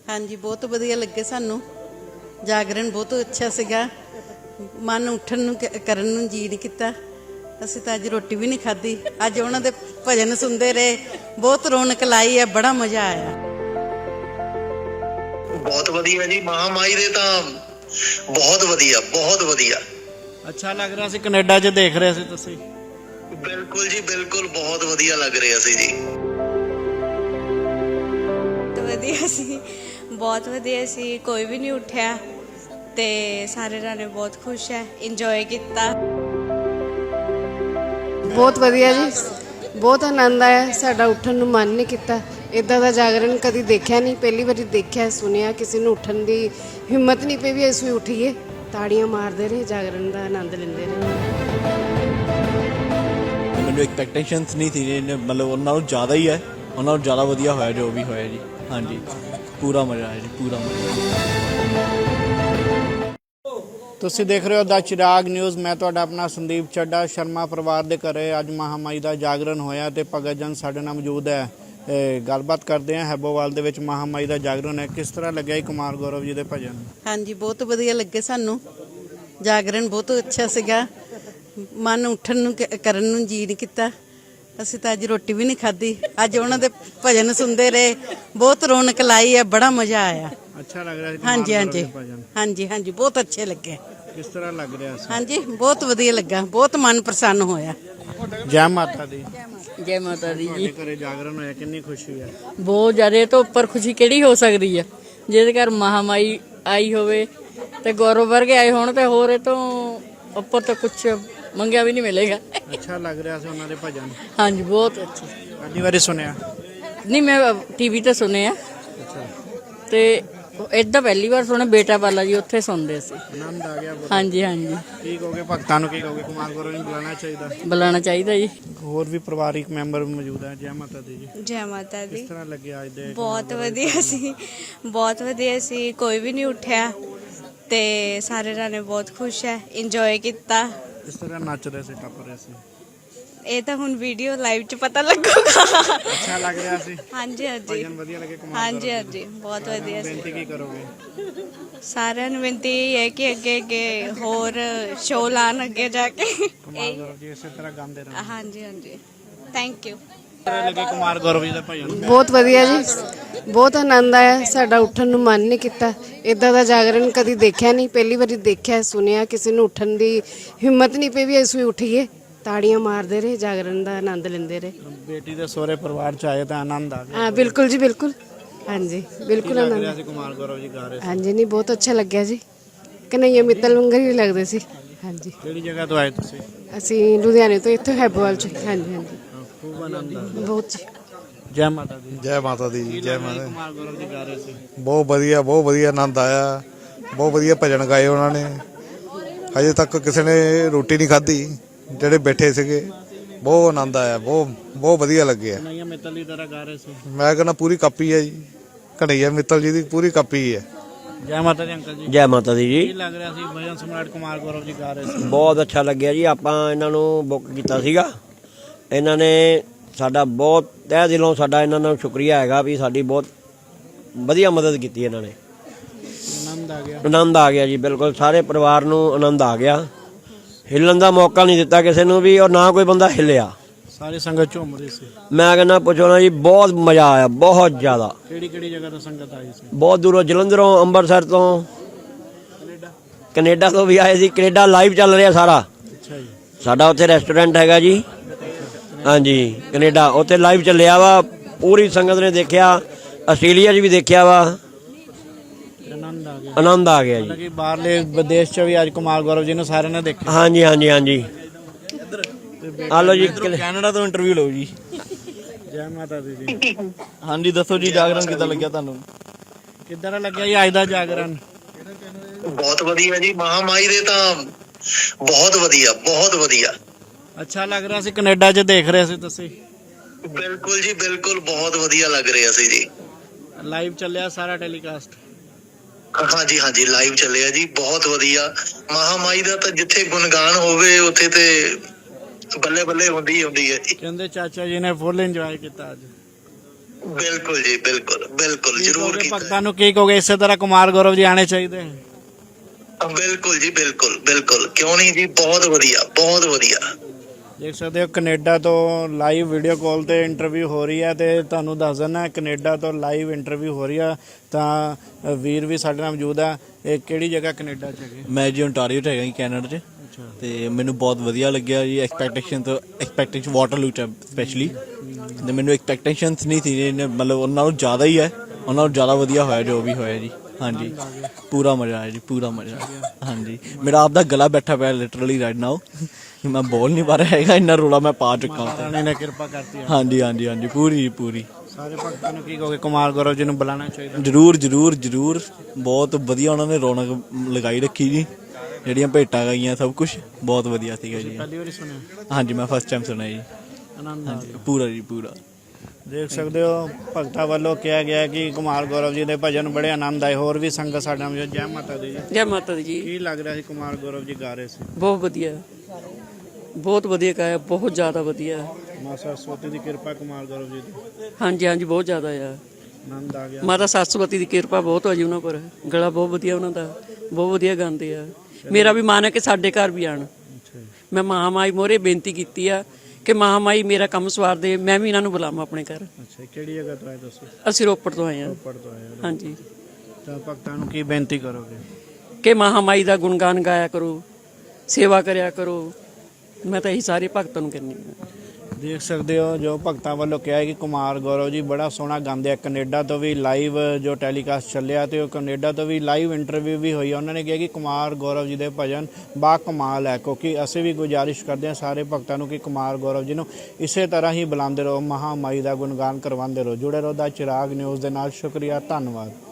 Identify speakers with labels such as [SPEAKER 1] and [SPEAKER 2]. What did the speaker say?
[SPEAKER 1] हाँ जी, बहुत वधिया लगे सानू। जागरण बहुत अच्छा सीगा। मन उठन नूं करन नूं जी नहीं कीता। असीं तां अज रोटी भी नहीं खाधी। अज उन्हां दे भजन सुनते रहे, बहुत रौनक लाई है, बड़ा मजा आया।
[SPEAKER 2] बहुत वधिया जी, महामाई दे तां बहुत वधिया, बहुत वधिया।
[SPEAKER 3] अच्छा लग रहा सी कनेडा च देख रहे सी तुसीं?
[SPEAKER 2] बिल्कुल जी बिल्कुल, बहुत वधिया लग रहा सी जी।
[SPEAKER 4] बहुत वधिया सी, कोई भी नहीं उठ्या ते सारे जाने बहुत खुश है, इंजॉय किया।
[SPEAKER 5] बहुत वधिया जी, बहुत आनंद आया। साडा उठन नूं मन नहीं किता। इदां दा जागरण कदी देखिया नहीं, पहली बारी देखिया सुनिया। किसी नूं उठन दी हिम्मत नहीं पई भी असीं उठीए। ताड़ियां मारदे रहे, जागरण दा आनंद लैंदे रहे।
[SPEAKER 3] मैनूं एक्सपैक्टेशनस नहीं थी, मतलब उन्हां नालों ज़्यादा ही है। उन्हां नालों ज़्यादा वधिया होया जो भी होया जी। हाँ जी, पूरा मज़ा आया जी, पूरा मज़ा। ਤੁਸੀਂ ਦੇਖ ਰਹੇ ਹੋ ਦਾ ਚਿਰਾਗ ਨਿਊਜ਼। ਮੈਂ ਤੁਹਾਡਾ ਆਪਣਾ ਸੰਦੀਪ ਚੱਡਾ। ਸ਼ਰਮਾ ਪਰਿਵਾਰ ਦੇ ਘਰੇ ਅੱਜ ਮਹਾਮਾਈ ਦਾ ਜਾਗਰਣ ਹੋਇਆ ਤੇ ਭਗਤ ਜਨ ਸਾਡੇ ਨਾਲ ਮੌਜੂਦ ਹੈ। ਗੱਲਬਾਤ ਕਰਦੇ ਹਾਂ। ਹੈਬੋਵਾਲ ਦੇ ਵਿੱਚ ਮਹਾਮਾਈ ਦਾ ਜਾਗਰਣ ਹੈ, ਕਿਸ ਤਰ੍ਹਾਂ ਲੱਗਿਆ ਜੀ ਕੁਮਾਰ ਗੌਰਵ ਜੀ ਦੇ ਭਜਨ?
[SPEAKER 1] हाँ जी, बहुत वधिया लगे सानू। जागरण बहुत अच्छा सीगा। मन उठन नूं करन नूं जी नहीं कीता। असीं तां अज रोटी भी नहीं खाधी। अज उन्हां दे भजन सुनते रहे, बहुत रौनक लाई है, बड़ा मजा आया।
[SPEAKER 3] अच्छा लग रहा है?
[SPEAKER 1] हाँ जी, हाँ जी, हाँ जी, हाँ जी, बहुत अच्छे लगे।
[SPEAKER 3] किस तरह लग रहा है?
[SPEAKER 1] हाँ जी, बहुत वधिया लगा, बहुत मन प्रसन्न होया।
[SPEAKER 3] जय माता दी।
[SPEAKER 6] जय माता दी जी।
[SPEAKER 3] घरे जागरण होया, कितनी खुशी है?
[SPEAKER 6] बहुत ज़्यादा। तो उपर खुशी किहड़ी हो सकती है जिहदे घर महामाई आई होवे ते गौरव वर्गे आए होण ते होर इह तों उपर तो कुछ मंगिया भी नहीं मिलेगा।
[SPEAKER 3] अच्छा लग रहा है उन्होंने भजन?
[SPEAKER 6] हाँ जी, बहुत अच्छे।
[SPEAKER 3] पहली बारी सुनिया?
[SPEAKER 6] नहीं, मैं टीवी ते सुने आ ते इदा पहली बार सुने। बेटा वाला जी उत्थे सुनते सी।
[SPEAKER 3] आनंद आ गया?
[SPEAKER 6] हाँ जी, हाँ जी।
[SPEAKER 3] की कहोगे भगतां नूं, की कहोगे कुमार गौरव नूं बुलाना चाहिए?
[SPEAKER 6] बुलाना चाहिए जी।
[SPEAKER 3] होर भी परिवारिक मैंबर मौजूद है। जय माता दी जी।
[SPEAKER 4] जय माता दी।
[SPEAKER 3] किस तरह लगे आज दे?
[SPEAKER 4] बहुत वधिया सी, बहुत वधिया सी, कोई भी नहीं उठ्या ते सारे जाने बहुत खुश है, इंजॉय किया।
[SPEAKER 3] किस तरह नच रहे थे, टप रहे थे?
[SPEAKER 4] ਇਹ ਤਾਂ ਹੁਣ ਵੀਡੀਓ ਲਾਈਵ ਚ ਪਤਾ ਲੱਗੂਗਾ।
[SPEAKER 3] अच्छा लग रहा सी?
[SPEAKER 4] ਹਾਂਜੀ ਹਾਂਜੀ,
[SPEAKER 3] भजन वधिया लगे कुमार
[SPEAKER 4] ਹਾਂਜੀ
[SPEAKER 3] गौरव
[SPEAKER 4] ਹਾਂਜੀ, ਬਹੁਤ ਵਧੀਆ ਸੀ।
[SPEAKER 3] बेनती की करोगे?
[SPEAKER 4] ਸਾਰਿਆਂ ਨੂੰ ਬੇਨਤੀ ਇਹ ਹੈ ਕਿ ਅੱਗੇ ਅੱਗੇ ਹੋਰ ਸ਼ੋਅ ਲਾਣ ਅੱਗੇ ਜਾ ਕੇ।
[SPEAKER 3] कुमार गौरव जी इसी तरह गाते रहो।
[SPEAKER 4] ਹਾਂਜੀ ਹਾਂਜੀ, ਥੈਂਕ ਯੂ।
[SPEAKER 3] लगे कुमार गौरव जी का भजन?
[SPEAKER 5] बहुत वधिया जी, बहुत आनंद आया। साडा उठन नूं मन नहीं किता। इदां दा जागरण कदी देखिया नहीं, पहली बारी देखिया सुनिया। किसी नूं उठन दी हिम्मत नहीं पई भी असीं उठीए। ताड़ियां मारदे रहे, जागरण दा आनंद लैंदे रहे।
[SPEAKER 3] बेटी दे सोहरे परिवार च आए तो आनंद आ गया?
[SPEAKER 5] हाँ बिल्कुल जी, बिल्कुल। हाँ जी, बिल्कुल
[SPEAKER 3] लग
[SPEAKER 5] आनंद।
[SPEAKER 3] रहा सी कुमार गौरव जी गा रहे?
[SPEAKER 5] हाँ जी, नहीं बहुत अच्छा लग्या जी। कन्हैया मित्तल वंगर ही लगदे सी। हाँ जी।
[SPEAKER 3] किहड़ी जगह तो आए तुसीं?
[SPEAKER 5] ਅਸੀਂ ਲੁਧਿਆਣੇ ਤੋਂ ਇੱਥੋਂ ਹੈਬੋਵਾਲ ਚ। ਹਾਂਜੀ ਹਾਂਜੀ,
[SPEAKER 3] खूब आनंद आ गया।
[SPEAKER 5] ਬਹੁਤ ਜੀ।
[SPEAKER 3] जय माता दी।
[SPEAKER 7] जय माता दी जी, जय माता।
[SPEAKER 3] कुमार गौरव जी गा रहे सी?
[SPEAKER 7] ਬਹੁਤ ਵਧੀਆ ਆਨੰਦ ਆਇਆ। ਬਹੁਤ ਵਧੀਆ ਭਜਨ ਗਾਏ ਉਹਨਾਂ ਨੇ। ਹਜੇ ਤੱਕ ਕਿਸੇ ਨੇ ਰੋਟੀ ਨਹੀਂ ਖਾਧੀ, ਜਿਹੜੇ ਬੈਠੇ ਸੀਗੇ। ਬਹੁਤ ਆਨੰਦ ਆਇਆ, ਬਹੁਤ ਵਧੀਆ ਲੱਗਿਆ।
[SPEAKER 3] कन्हैया मित्तल की तरह गा रहे सी?
[SPEAKER 7] ਮੈਂ ਕਹਿੰਦਾ ਪੂਰੀ ਕਾਪੀ ਹੈ ਜੀ, ਕਨ੍ਹਈਆ ਮਿੱਤਲ ਜੀ ਦੀ ਪੂਰੀ ਕਾਪੀ ਹੈ।
[SPEAKER 3] जय माता दी अंकल जी।
[SPEAKER 8] ਜੈ ਮਾਤਾ ਦੀ
[SPEAKER 3] ਕੀ
[SPEAKER 8] ਜੀ।
[SPEAKER 3] ਲੱਗ ਰਿਹਾ ਸੀ ਭਜਨ ਸਮਰਾਟ ਕੁਮਾਰ ਗੌਰਵ ਜੀ ਗਾ ਰਹੇ ਸੀ?
[SPEAKER 8] ਬਹੁਤ ਅੱਛਾ ਲੱਗਿਆ ਜੀ। ਆਪਾਂ ਇਹਨਾਂ ਨੂੰ ਬੁੱਕ ਕੀਤਾ ਸੀਗਾ। ਇਹਨਾਂ ਨੇ ਸਾਡਾ ਬਹੁਤ ਤਹਿ ਦਿਲੋਂ ਸਾਡਾ ਇਹਨਾਂ ਨੂੰ ਸ਼ੁਕਰੀਆ ਹੈਗਾ ਵੀ ਸਾਡੀ ਬਹੁਤ ਵਧੀਆ ਮਦਦ ਕੀਤੀ ਇਹਨਾਂ ਨੇ।
[SPEAKER 3] ਆਨੰਦ ਆ ਗਿਆ?
[SPEAKER 8] ਆਨੰਦ ਆ ਗਿਆ ਜੀ, ਬਿਲਕੁਲ ਸਾਰੇ ਪਰਿਵਾਰ ਨੂੰ ਆਨੰਦ ਆ ਗਿਆ। ਹਿੱਲਣ ਦਾ ਮੌਕਾ ਨਹੀਂ ਦਿੱਤਾ ਕਿਸੇ ਨੂੰ ਵੀ, ਔਰ ਨਾ ਕੋਈ ਬੰਦਾ ਹਿੱਲਿਆ।
[SPEAKER 3] ਸਾਰੀ ਸੰਗਤ ਝੂਮ ਰਹੀ ਸੀ?
[SPEAKER 8] ਮੈਂ ਕਹਿੰਦਾ ਪੁੱਛੋ ਨਾ ਜੀ, ਬਹੁਤ ਮਜ਼ਾ ਆਇਆ, ਬਹੁਤ ਜ਼ਿਆਦਾ।
[SPEAKER 3] ਕਿਹੜੀ ਕਿਹੜੀ ਜਗ੍ਹਾ ਤੋਂ ਸੰਗਤ ਆਈ ਸੀ?
[SPEAKER 8] ਬਹੁਤ ਦੂਰੋਂ, ਜਲੰਧਰੋਂ, ਅੰਮ੍ਰਿਤਸਰ ਤੋਂ, ਕੈਨੇਡਾ ਤੋਂ ਵੀ ਆਏ ਸੀ। ਕੈਨੇਡਾ ਲਾਈਵ ਚੱਲ ਰਿਹਾ ਸਾਰਾ।
[SPEAKER 3] ਅੱਛਾ ਜੀ।
[SPEAKER 8] ਸਾਡਾ ਉੱਥੇ ਰੈਸਟੋਰੈਂਟ ਹੈਗਾ ਜੀ। ਹਾਂਜੀ, ਕੈਨੇਡਾ ਉੱਥੇ ਲਾਈਵ ਚੱਲਿਆ ਵਾ। ਪੂਰੀ ਸੰਗਤ ਨੇ ਦੇਖਿਆ। ਆਸਟ੍ਰੇਲੀਆ 'ਚ ਵੀ ਦੇਖਿਆ ਵਾ।
[SPEAKER 3] ਆਨੰਦ ਆ ਗਿਆ?
[SPEAKER 8] ਆਨੰਦ ਆ ਗਿਆ ਜੀ।
[SPEAKER 3] ਕਿ ਬਾਹਰਲੇ ਵਿਦੇਸ਼ 'ਚ ਵੀ ਅੱਜ ਕੁਮਾਰ ਗੌਰਵ ਜੀ ਨੂੰ ਸਾਰਿਆਂ ਨੇ ਦੇਖਿਆ?
[SPEAKER 8] ਹਾਂਜੀ ਹਾਂਜੀ ਹਾਂਜੀ। ਆ ਲਓ ਜੀ,
[SPEAKER 3] ਕੈਨੇਡਾ ਤੋਂ ਇੰਟਰਵਿਊ ਲਓ ਜੀ। ਜੈ ਮਾਤਾ ਦੀ ਜੀ। ਹਾਂਜੀ, ਦੱਸੋ ਜੀ ਜਾਗਰਣ ਕਿੱਦਾਂ ਲੱਗਿਆ ਤੁਹਾਨੂੰ? ਕਿੱਦਾਂ ਦਾ ਲੱਗਿਆ ਜੀ ਅੱਜ ਦਾ ਜਾਗਰਣ?
[SPEAKER 2] बहुत वधिया जी, महामाई दे तां बहुत वधिया, बहुत वधिया।
[SPEAKER 3] अच्छा लग रहा सी कनेडा 'ਚ देख रहे ਸੀ ਤੁਸੀਂ?
[SPEAKER 2] बिल्कुल जी बिल्कुल, बहुत वधिया लग रहा सी जी।
[SPEAKER 3] ਲਾਈਵ ਚੱਲਿਆ ਸਾਰਾ ਟੈਲੀਕਾਸਟ?
[SPEAKER 2] हाँ जी, हाँ जी, लाइव ਚੱਲਿਆ जी, बहुत वधिया। महामाई ਦਾ ਤਾਂ ਜਿੱਥੇ ਗੁਣਗਾਨ ਹੋਵੇ ਉੱਥੇ ਤੇ ਬੱਲੇ ਬੱਲੇ ਹੁੰਦੀ ਹੈ ਜੀ।
[SPEAKER 3] ਕਹਿੰਦੇ ਚਾਚਾ ਜੀ ਨੇ ਫੁੱਲ ਇੰਜੋਏ ਕੀਤਾ ਅੱਜ?
[SPEAKER 2] ਬਿਲਕੁਲ ਜੀ, ਬਿਲਕੁਲ ਬਿਲਕੁਲ ਜ਼ਰੂਰ ਕੀਤਾ।
[SPEAKER 3] ਭਗਤਾਂ ਨੂੰ ਕੀ ਕਹੋਗੇ? ਇਸੇ ਤਰ੍ਹਾਂ ਕੁਮਾਰ ਗੌਰਵ ਜੀ ਆਣੇ ਚਾਹੀਦੇ।
[SPEAKER 2] ਬਿਲਕੁਲ ਜੀ, ਬਿਲਕੁਲ ਬਿਲਕੁਲ, ਕਿਉਂ ਨਹੀਂ ਜੀ, ਬਹੁਤ ਵਧੀਆ ਬਹੁਤ ਵਧੀਆ।
[SPEAKER 3] ਦੇਖ ਸਕਦੇ ਹੋ ਕੈਨੇਡਾ ਤੋਂ ਲਾਈਵ ਵੀਡੀਓ ਕਾਲ ਤੇ ਇੰਟਰਵਿਊ ਹੋ ਰਹੀ ਹੈ ਤੇ ਤੁਹਾਨੂੰ ਦੱਸ ਦਿੰਦਾ ਕੈਨੇਡਾ ਤੋਂ ਲਾਈਵ ਇੰਟਰਵਿਊ ਹੋ ਰਹੀ ਆ ਤਾਂ ਵੀਰ ਵੀ ਸਾਡੇ ਨਾਲ ਮੌਜੂਦ ਆ। ਇਹ ਕਿਹੜੀ ਜਗ੍ਹਾ ਕੈਨੇਡਾ 'ਚ ਹੈਗੇ?
[SPEAKER 9] ਮੈਂ ਜੀ ਓਨਟਾਰੀਓ 'ਚ ਹੈਗਾ ਜੀ, ਕੈਨੇਡਾ 'ਚ। ਤੇ ਮੈਨੂੰ ਬਹੁਤ ਵਧੀਆ ਲੱਗਿਆ ਜੀ। ਐਕਸਪੈਕਟੇਸ਼ਨ ਵਾਟਰਲੂ 'ਚ ਸਪੈਸ਼ਲੀ, ਤੇ ਮੈਨੂੰ ਐਕਸਪੈਕਟੇਸ਼ਨਸ ਨਹੀਂ ਸੀ, ਮਤਲਬ ਉਹਨਾਂ ਨਾਲੋਂ ਜ਼ਿਆਦਾ ਹੀ ਹੈ, ਉਹਨਾਂ ਨਾਲੋਂ ਜ਼ਿਆਦਾ ਵਧੀਆ ਹੋਇਆ ਜੋ ਵੀ ਹੋਇਆ ਜੀ। ਹਾਂਜੀ, ਪੂਰਾ ਮਜ਼ਾ ਆਇਆ ਜੀ, ਪੂਰਾ ਮਜ਼ਾ। ਹਾਂਜੀ, ਮੇਰਾ ਆਪਦਾ ਗਲਾ ਬੈਠਾ ਪਿਆ ਲਿਟਰਲੀ ਰਾਈਟ ਨਾਓ, ਮੈਂ ਬੋਲ ਨਹੀਂ ਪਾ ਰਿਹਾ ਹੈਗਾ, ਇੰਨਾ ਰੋਲਾ ਮੈਂ ਪਾ ਚੁੱਕਾ।
[SPEAKER 3] ਰਾਣੀ ਨੇ ਕਿਰਪਾ ਕਰਤੀ।
[SPEAKER 9] ਹਾਂਜੀ ਹਾਂਜੀ ਹਾਂਜੀ, ਪੂਰੀ ਪੂਰੀ।
[SPEAKER 3] ਸਾਰੇ ਭਗਤਾਂ ਨੂੰ ਕੀ ਕਹੋਗੇ? ਕੁਮਾਰ ਗੌਰਵ ਜੀ ਨੂੰ ਬੁਲਾਉਣਾ ਚਾਹੀਦਾ।
[SPEAKER 9] ਜ਼ਰੂਰ ਜ਼ਰੂਰ ਜ਼ਰੂਰ, ਬਹੁਤ ਵਧੀਆ ਉਹਨਾਂ ਨੇ ਰੌਣਕ ਲਗਾਈ ਰੱਖੀ ਜੀ, ਜਿਹੜੀਆਂ ਭੇਟਾਂ ਗਾਈਆਂ ਸਭ ਕੁਝ ਬਹੁਤ ਵਧੀਆ ਸੀਗਾ ਜੀ।
[SPEAKER 3] ਪਹਿਲੀ ਵਾਰੀ ਸੁਣਿਆ?
[SPEAKER 9] ਹਾਂਜੀ, ਮੈਂ ਫਸਟ ਟਾਈਮ ਸੁਣਿਆ ਜੀ।
[SPEAKER 3] ਆਨੰਦ
[SPEAKER 9] ਹਾਂਜੀ, ਪੂਰਾ ਜੀ ਪੂਰਾ।
[SPEAKER 3] ਦੇਖ ਸਕਦੇ ਹੋ ਭਗਤਾਂ ਵੱਲੋਂ ਕਿਹਾ ਗਿਆ ਕਿ ਕੁਮਾਰ ਗੌਰਵ ਜੀ ਦੇ ਭਜਨ ਬੜੇ ਆਨੰਦ ਆਏ। ਹੋਰ ਵੀ ਸੰਗਤ ਸਾਡੇ ਨਾਲ। ਜੈ ਮਾਤਾ ਦੀ ਜੀ।
[SPEAKER 10] ਜੈ ਮਾਤਾ ਦੀ ਜੀ।
[SPEAKER 3] ਕੀ ਲੱਗ ਰਿਹਾ ਸੀ ਕੁਮਾਰ ਗੌਰਵ ਜੀ ਗਾ ਰਹੇ ਸੀ?
[SPEAKER 10] ਬਹੁਤ ਵਧੀਆ, ਬਹੁਤ ਵਧੀਆ ਗਾਇਆ, ਬਹੁਤ ਜ਼ਿਆਦਾ ਵਧੀਆ।
[SPEAKER 3] ਮਾਤਾ ਸਰਸਵਤੀ ਦੀ ਕਿਰਪਾ ਕੁਮਾਰ ਗੌਰਵ ਜੀ ਦੀ।
[SPEAKER 10] ਹਾਂਜੀ ਹਾਂਜੀ, ਬਹੁਤ ਜ਼ਿਆਦਾ ਆ।
[SPEAKER 3] ਆਨੰਦ ਆ ਗਿਆ।
[SPEAKER 10] ਮਾਤਾ ਸਰਸਵਤੀ ਦੀ ਕਿਰਪਾ ਬਹੁਤ ਹੋ ਜੀ ਉਹਨਾਂ ਪਰ। ਗਲਾ ਬਹੁਤ ਵਧੀਆ ਉਹਨਾਂ ਦਾ, ਬਹੁਤ ਵਧੀਆ ਗਾਉਂਦੇ ਆ। ਮੇਰਾ ਵੀ ਮਨ ਹੈ ਕਿ ਸਾਡੇ ਘਰ ਵੀ ਆਣ। ਮੈਂ ਮਹਾਮਾਈ ਮੋਹਰੇ ਬੇਨਤੀ ਕੀਤੀ ਆ ਕਿ ਮਹਾਮਾਈ ਮੇਰਾ ਕੰਮ ਸਵਾਰ ਦੇ, ਮੈਂ ਵੀ ਇਹਨਾਂ ਨੂੰ ਬੁਲਾਵਾਂ ਆਪਣੇ ਘਰ।
[SPEAKER 3] ਅੱਛਾ, ਕਿਹੜੀ ਜਗ੍ਹਾ ਤੋਂ ਆਏ ਤੁਸੀਂ?
[SPEAKER 10] ਅਸੀਂ ਰੋਪੜ ਤੋਂ ਆਏ ਹਾਂ।
[SPEAKER 3] ਰੋਪੜ ਤੋਂ ਆਏ ਹੋ।
[SPEAKER 10] ਹਾਂਜੀ,
[SPEAKER 3] ਤਾਂ ਭਗਤਾਂ ਨੂੰ ਕੀ ਬੇਨਤੀ ਕਰੋਗੇ?
[SPEAKER 10] ਕਿ ਮਹਾਮਾਈ ਦਾ ਗੁਣਗਾਨ ਗਾਇਆ ਕਰੋ, ਸੇਵਾ ਕਰਿਆ ਕਰੋ। ਮੈਂ ਤਾਂ ਇਹੀ ਸਾਰੇ ਭਗਤਾਂ ਨੂੰ ਕਹਿੰਦੀ ਹਾਂ।
[SPEAKER 3] ਦੇਖ ਸਕਦੇ ਹੋ ਜੋ ਭਗਤਾਂ ਵੱਲੋਂ ਕਿਹਾ ਹੈ ਕਿ ਕੁਮਾਰ ਗੌਰਵ ਜੀ ਬੜਾ ਸੋਹਣਾ ਗਾਉਂਦੇ ਆ। ਕੈਨੇਡਾ ਤੋਂ ਵੀ ਲਾਈਵ ਜੋ ਟੈਲੀਕਾਸਟ ਚੱਲਿਆ ਤੇ ਉਹ ਕੈਨੇਡਾ ਤੋਂ ਵੀ ਲਾਈਵ ਇੰਟਰਵਿਊ ਵੀ ਹੋਈ। ਉਹਨਾਂ ਨੇ ਕਿਹਾ ਕਿ ਕੁਮਾਰ ਗੌਰਵ ਜੀ ਦੇ ਭਜਨ ਬਾ ਕਮਾਲ ਹੈ। ਕਿਉਂਕਿ ਅਸੀਂ ਵੀ ਗੁਜ਼ਾਰਿਸ਼ ਕਰਦੇ ਹਾਂ ਸਾਰੇ ਭਗਤਾਂ ਨੂੰ ਕਿ ਕੁਮਾਰ ਗੌਰਵ ਜੀ ਨੂੰ ਇਸੇ ਤਰ੍ਹਾਂ ਹੀ ਬੁਲਾਉਂਦੇ ਰਹੋ, ਮਹਾਮਾਈ ਦਾ ਗੁਣਗਾਨ ਕਰਵਾਉਂਦੇ ਰਹੋ। ਜੁੜੇ ਰਹੋ ਦਾ ਚਿਰਾਗ ਨਿਊਜ਼ ਦੇ ਨਾਲ। ਸ਼ੁਕਰੀਆ, ਧੰਨਵਾਦ।